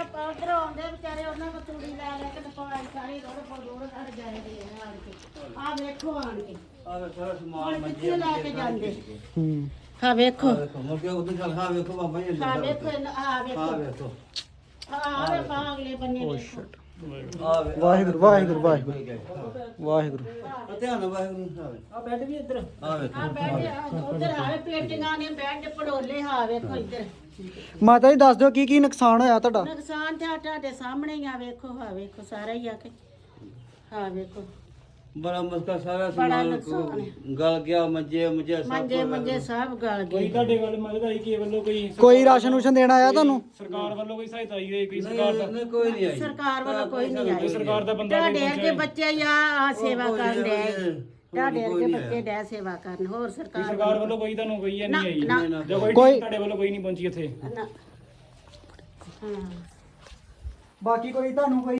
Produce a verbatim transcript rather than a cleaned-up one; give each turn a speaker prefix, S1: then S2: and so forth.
S1: ਉਧਰ ਆਉਂਦੇ ਵਿਚਾਰੇ ਉਹਨਾਂ ਨੂੰ ਤੂੜੀ ਲੈ ਲੈ ਕੇ ਪਵਾਈ ਸਾਰੀ ਰੋੜ ਪਰ ਰੋੜ ਕੱਢ ਜਾਂਦੇ ਆ ਆਣ ਕੇ ਆ ਵੇਖੋ ਆਣ ਕੇ
S2: ਆ ਵੇ ਸਾਰਾ ਸਮਾਨ
S1: ਹੁਣ
S2: ਮੰਜੇ
S1: ਕਿੱਥੇ ਲੈ ਕੇ ਜਾਂਦੇ
S3: ਹੂੰ
S1: ਹਾਂ ਵੇਖੋ
S2: ਮੁੜ ਕੇ ਉਧਰ ਚੱਲ ਹਾਂ ਵੇਖੋ ਬਾਬਾ ਜੀ
S1: ਹਾਂ ਵੇਖੋ ਆ ਵੇਖੋ
S2: ਹਾਂ ਵੇਖੋ
S1: ਆ ਵੇ ਪਾ ਅਗਲੇ ਬੰਨੇ ਵੇਖੋ
S2: ਆ ਵੇ
S3: ਵਾਹਿਗੁਰੂ ਵਾਹਿਗੁਰੂ ਵਾਹਿਗੁਰੂ ਵਾਹਿਗੁਰੂ
S2: ਆ ਧਿਆਨ ਨਾਲ ਵਾਹਿਗੁਰੂ ਸਾਹਿਬ
S4: ਆ ਬੈੱਡ ਵੀ ਇੱਧਰ
S2: ਆ ਵੇਖੋ
S1: ਆ ਬੈਠ ਉਧਰ ਆਵੇ ਪੇਟੀਆਂ ਨੇ ਬੈੱਡ ਪੜੋਲੇ ਹਾਂ ਵੇਖੋ ਇੱਧਰ
S3: ਮਾਤਾ ਜੀ ਦੱਸ ਦਿਓ ਕੀ ਕੀ ਨੁਕਸਾਨ ਹੋਇਆ ਤੁਹਾਡਾ
S1: ਨੁਕਸਾਨ ਤੇ ਤੁਹਾਡੇ ਸਾਹਮਣੇ ਹੀ ਆ ਵੇਖੋ ਹਾਂ ਵੇਖੋ ਸਾਰਾ ਹੀ ਆ ਕੇ ਹਾਂ ਵੇਖੋ
S2: ਬੜਾ ਮੁਸ਼ਕਲ ਸਾਰਾ
S1: ਬੜਾ
S2: ਸਮਾਨ
S1: ਨੁਕਸਾਨ ਹੈ।
S2: ਗਲ ਗਿਆ ਮੰਜੇ ਮੰਜੇ ਸਭ
S1: ਮੰਜੇ ਮੰਜੇ ਸਭ ਗਲ
S4: ਕੋਈ
S1: ਗਏ
S4: ਤੁਹਾਡੇ ਵੱਲ ਮਦਦ ਆਈ ਕਿ ਵੱਲੋਂ ਕੋਈ
S3: ਕੋਈ ਰਾਸ਼ਨ ਰੂਸ਼ਨ ਦੇਣ ਆਇਆ ਤੁਹਾਨੂੰ
S4: ਸਰਕਾਰ ਵੱਲੋਂ ਕੋਈ ਸਹਾਇਤਾ ਆਈ ਹੋਈ ਕੋਈ ਸਰਕਾਰ ਦਾ
S2: ਨਹੀਂ ਕੋਈ ਨਹੀਂ ਆਈ
S1: ਸਰਕਾਰ ਵੱਲੋਂ ਕੋਈ ਨਹੀਂ ਆਈ
S4: ਸਰਕਾਰ ਦਾ ਬੰਦਾ
S1: ਤੁਹਾਡੇ ਅੱਗੇ ਬੱਚੇ ਹੀ ਆ ਆ ਸੇਵਾ ਕਰਨ ਦੇ ਤੁਹਾਡੇ ਅੱਗੇ ਬੱਚੇ ਡੈ ਸੇਵਾ ਕਰਨ ਹੋਰ ਸਰਕਾਰ
S4: ਸਰਕਾਰ ਵੱਲੋਂ ਕੋਈ ਤੁਹਾਨੂੰ ਕੋਈ ਇਹ ਨਹੀਂ ਆਈ
S1: ਨਾ
S4: ਜਾਂ ਕੋਈ
S3: ਕੋਈ-
S4: ਤੁਹਾਡੇ ਵੱਲੋਂ ਕੋਈ ਨਹੀਂ ਪਹੁੰਚੀ ਇੱਥੇ
S1: ਨਾ ਹਾਂ
S3: ਬਾਕੀ ਕੋਈ ਤੁਹਾਨੂੰ ਕੋਈ